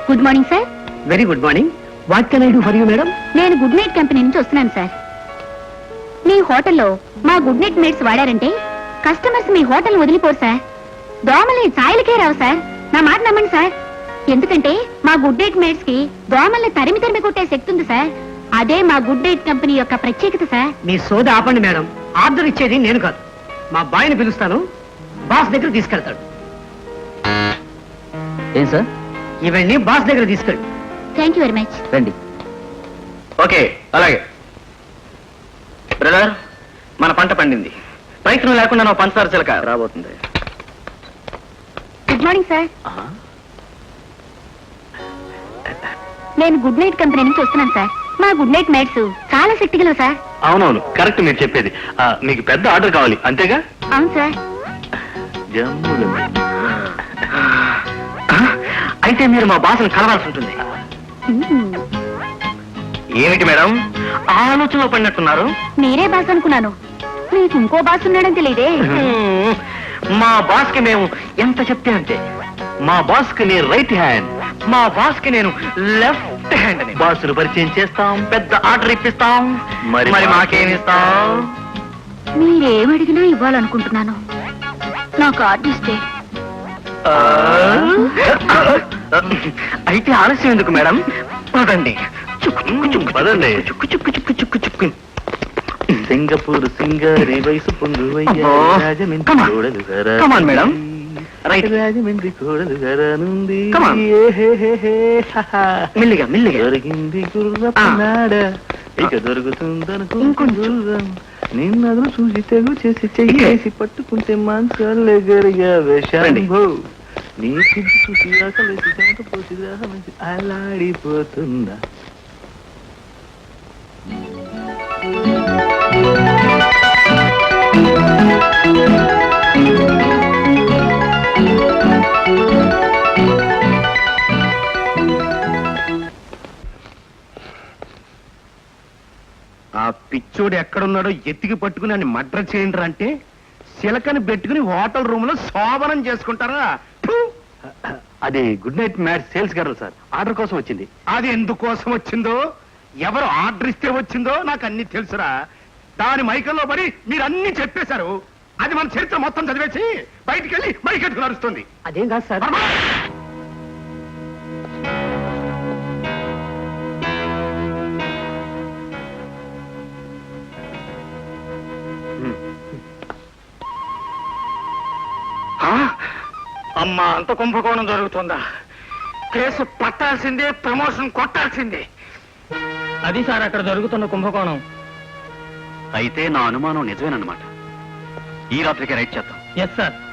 Good morning sir. Very good morning. What can I do for you madam? నేను good night company నుంచి వస్తున్నాను sir. మీ హోటల్లో మా గుడ్ నైట్ మేట్స్ వాడారంటే కస్టమర్స్ మీ హోటల్ వదిలిపోరు సార్. దోమలు ఛాయలకే రావు సార్. నా మాట నమ్మండి సార్. ఎందుకంటే మా గుడ్ నైట్ మేట్స్ కి దోమల్ని తరిమి తరిమి కొట్టే శక్తి ఉంది సార్. అదే మా గుడ్ నైట్ కంపెనీ యొక్క ప్రత్యేకత సార్. మీ సోద ఆపండి మేడం. ఆర్డర్ ఇచ్చేది నేను కాదు, మా బాయ్ని పిలుస్తాను, బాస్ దగ్గర తీసుకెళ్తాడు. ఏం సార్? ఇవన్నీ బాస్ దగ్గర తీసుకెళ్ళి. Thank you very much. రండి. ఓకే, అలాగే. బ్రదర్, మన పంట పండింది. ప్రయత్నం లేకుండా నా పంచదార చిలక రాబోతుంది. Good morning sir. నేను గుడ్ నైట్ కంపెనీ నుంచి వస్తున్నాను సార్. మా గుడ్ నైట్ మేట్స్ చాలా శక్తి గలవు సార్. అవునవును, కరెక్ట్ మీరు చెప్పేది. మీకు పెద్ద ఆర్డర్ కావాలి అంతేగా? అవును సార్. అయితే మీరు మా బాస్ని కలవాల్సి ఉంటుంది. ఏమిటి మేడం ఆలోచనలో పడినట్టున్నారు? మీరే బాస్ అనుకున్నాను. మీకు ఇంకో బాస్ ఉన్నాడని తెలియదే. మా బాస్ కి మేము ఎంత చెప్తే అంతే. మా బాస్ కి నేను రైట్ హ్యాండ్, మా బాస్ కి నేను లెఫ్ట్ హ్యాండ్. బాసులు పరిచయం చేస్తాం, పెద్ద ఆర్డర్ ఇప్పిస్తాం. మరి మాకేమిస్తాం? మీరేమడిగినా ఇవ్వాలనుకుంటున్నాను. నాకు ఆర్టిస్టే. అయితే ఆలస్యం ఎందుకు మేడం? పదండి. పదండి. సింగపూర్ సింగరి వయసు పొంగు మేడం. రైట్. రాజమండ్రి కోడలు గరనుంది. మెల్లిగా మెల్లిగా. దొరికింది గుర్రపనాడ, ఇక దొరుకుతుందనుకుంటున్నాం. నిన్నదులు చూసి తెగు చేసి చెయ్యేసి పట్టుకుంటే మాంసాలే గరిగా వేషాంభో. నీ సిద్ధి చూసి ఆకలేసి చెమట పోసి దాహమేసి అలాడిపోతుందా. ఆ పిచ్చోడు ఎక్కడున్నాడో ఎత్తికి పట్టుకుని అని మడ్ర చేయండి అంటే చిలకని పెట్టుకుని హోటల్ రూమ్ లో శోభనం చేసుకుంటారా? ఫు! అది good night match sales girl sir, order కోసం వచ్చింది. అది ఎందుకోసం వచ్చిందో, ఎవరు ఆర్డర్ ఇస్తే వచ్చిందో నాకు అన్ని తెలుసురా. దాని మైకల్లో పడి మీరు అన్ని చెప్పేశారు. అది మన చరిత్ర మొత్తం చదివేసి బయటికి వెళ్ళి మైకెట్టుకు నడుస్తుంది. అదేం కాదు సార్. అమ్మా, అంత కుంభకోణం జరుగుతుందా? కేసు పట్టాల్సిందే, ప్రమోషన్ కొట్టాల్సిందే. అది సార్ అక్కడ జరుగుతున్న కుంభకోణం. అయితే నా అనుమానం నిజమేనన్నమాట. ఈ రాత్రికి రైట్ చేద్దాం. Yes sir.